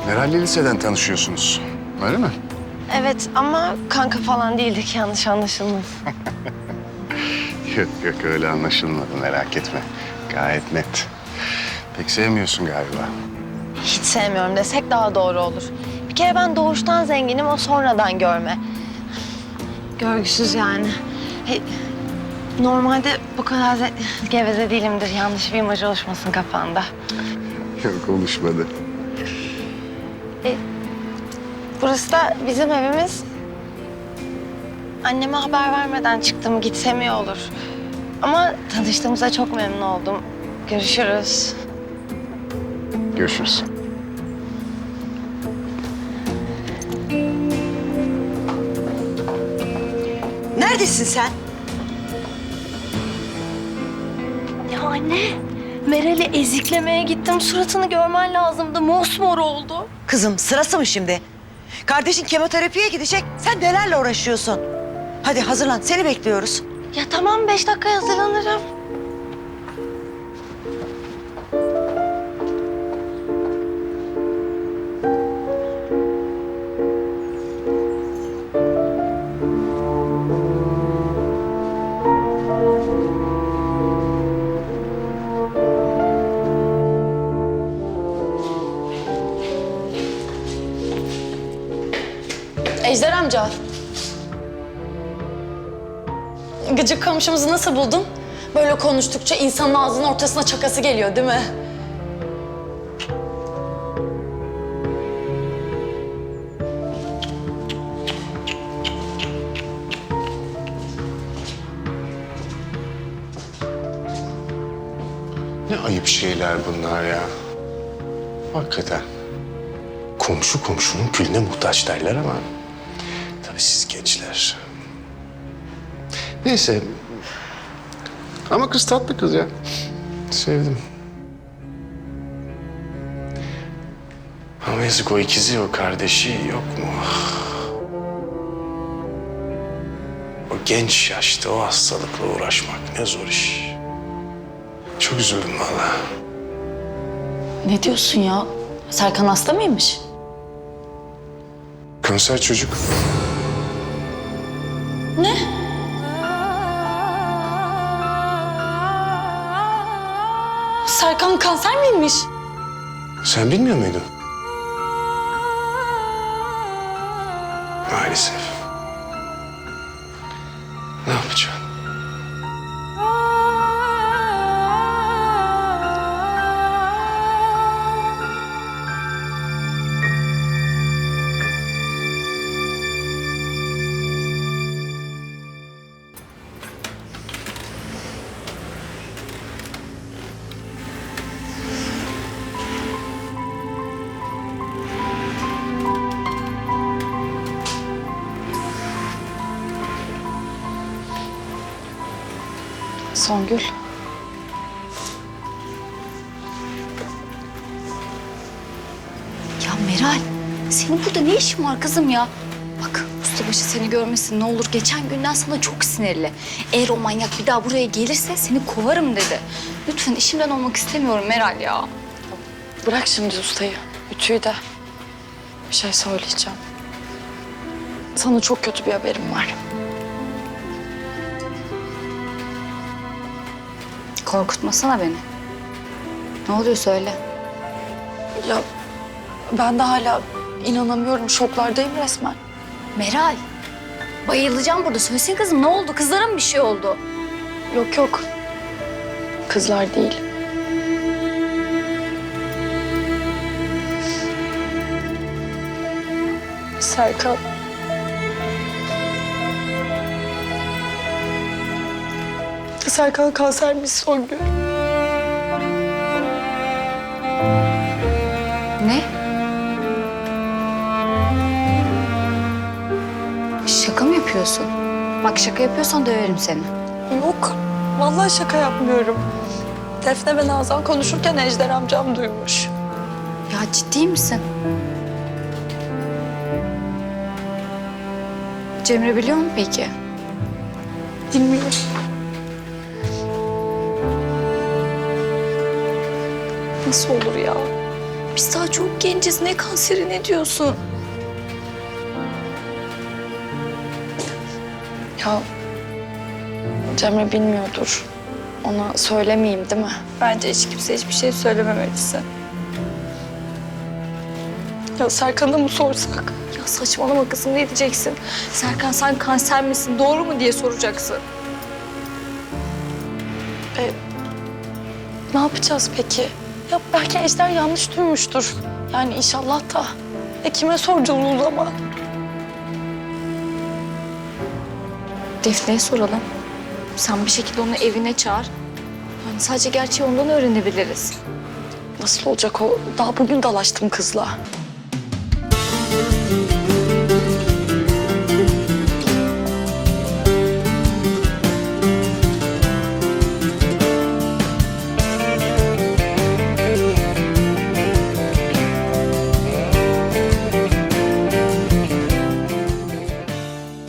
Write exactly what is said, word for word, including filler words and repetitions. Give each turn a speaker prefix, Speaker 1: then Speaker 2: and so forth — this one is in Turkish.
Speaker 1: Herhalde liseden tanışıyorsunuz. Öyle mi?
Speaker 2: Evet ama kanka falan değildik, yanlış anlaşılmasın.
Speaker 1: Yok yok öyle anlaşılmadı, merak etme. Gayet net. Pek sevmiyorsun galiba.
Speaker 2: Hiç sevmiyorum desek daha doğru olur. Bir kere ben doğuştan zenginim, o sonradan görme. Görgüsüz yani. He, normalde bu kadar ze- geveze değilimdir. Yanlış bir imaj oluşmasın kafanda.
Speaker 1: Yok konuşmadı.
Speaker 2: E, burası da bizim evimiz. Anneme haber vermeden çıktım, gitsem iyi olur. Ama tanıştığımıza çok memnun oldum. Görüşürüz.
Speaker 1: Görüşürüz.
Speaker 3: Neredesin sen?
Speaker 2: Ya anne, Meral'i eziklemeye gittim. Suratını görmen lazımdı. Mosmor oldu.
Speaker 3: Kızım sırası mı şimdi? Kardeşin kemoterapiye gidecek. Sen nelerle uğraşıyorsun? Hadi hazırlan, seni bekliyoruz.
Speaker 2: Ya tamam, beş dakikaya hazırlanırım.
Speaker 4: Ejder amca. Gıcık komşumuzu nasıl buldun? Böyle konuştukça insanın ağzının ortasına çakası geliyor değil mi?
Speaker 1: Ne ayıp şeyler bunlar ya. Hakikaten. Komşu komşunun külüne muhtaç derler ama... tabii siz gençler. Neyse. Ama kız tatlı kız ya. Sevdim. Ama yazık, o ikizi, o kardeşi yok mu? O genç yaşta o hastalıkla uğraşmak ne zor iş. Çok üzüldüm vallahi.
Speaker 4: Ne diyorsun ya? Serkan hasta mıymış?
Speaker 1: Kanser çocuk.
Speaker 4: Ne? Serkan kanser miymiş?
Speaker 1: Sen bilmiyor muydun? Maalesef. Ne yapacağım?
Speaker 4: Songül.
Speaker 5: Ya Meral, senin burada ne işin var kızım ya? Bak ustabaşı seni görmesin ne olur. Geçen günden sana çok sinirli. Eğer o manyak bir daha buraya gelirse seni kovarım dedi. Lütfen işimden olmak istemiyorum Meral ya.
Speaker 4: Bırak şimdi ustayı, ütüyü de. Bir şey söyleyeceğim. Sana çok kötü bir haberim var.
Speaker 5: Korkutmasana beni. Ne oluyor söyle.
Speaker 4: Ya ben de hala inanamıyorum, şoklardayım resmen.
Speaker 5: Meral, bayılacağım burada. Söylesene kızım ne oldu? Kızlara mı bir şey oldu?
Speaker 4: Yok yok, kızlar değil. Serkan. Serkan kansermiş Songül.
Speaker 5: Ne? Şaka mı yapıyorsun? Bak şaka yapıyorsan döverim seni.
Speaker 4: Yok, vallahi şaka yapmıyorum. Defne ve Nazan konuşurken Ejder amcam duymuş.
Speaker 5: Ya ciddi misin? Cemre biliyor mu peki?
Speaker 4: Bilmiyorum. Nasıl olur ya?
Speaker 5: Biz daha çok genciz. Ne kanseri, ne diyorsun?
Speaker 4: Ya Cemre bilmiyordur. Ona söylemeyeyim değil mi?
Speaker 5: Bence hiç kimse hiçbir şey söylememelisin.
Speaker 4: Ya Serkan'a mı sorsak?
Speaker 5: Ya saçmalama kızım, ne diyeceksin? Serkan sen kanser misin, doğru mu diye soracaksın.
Speaker 4: E, ne yapacağız peki? Ya belki Ejder yanlış duymuştur. Yani inşallah da. E kime soracağız o zaman?
Speaker 5: Defne'ye soralım. Sen bir şekilde onu evine çağır. Yani sadece gerçeği ondan öğrenebiliriz.
Speaker 4: Nasıl olacak o? Daha bugün dalaştım kızla.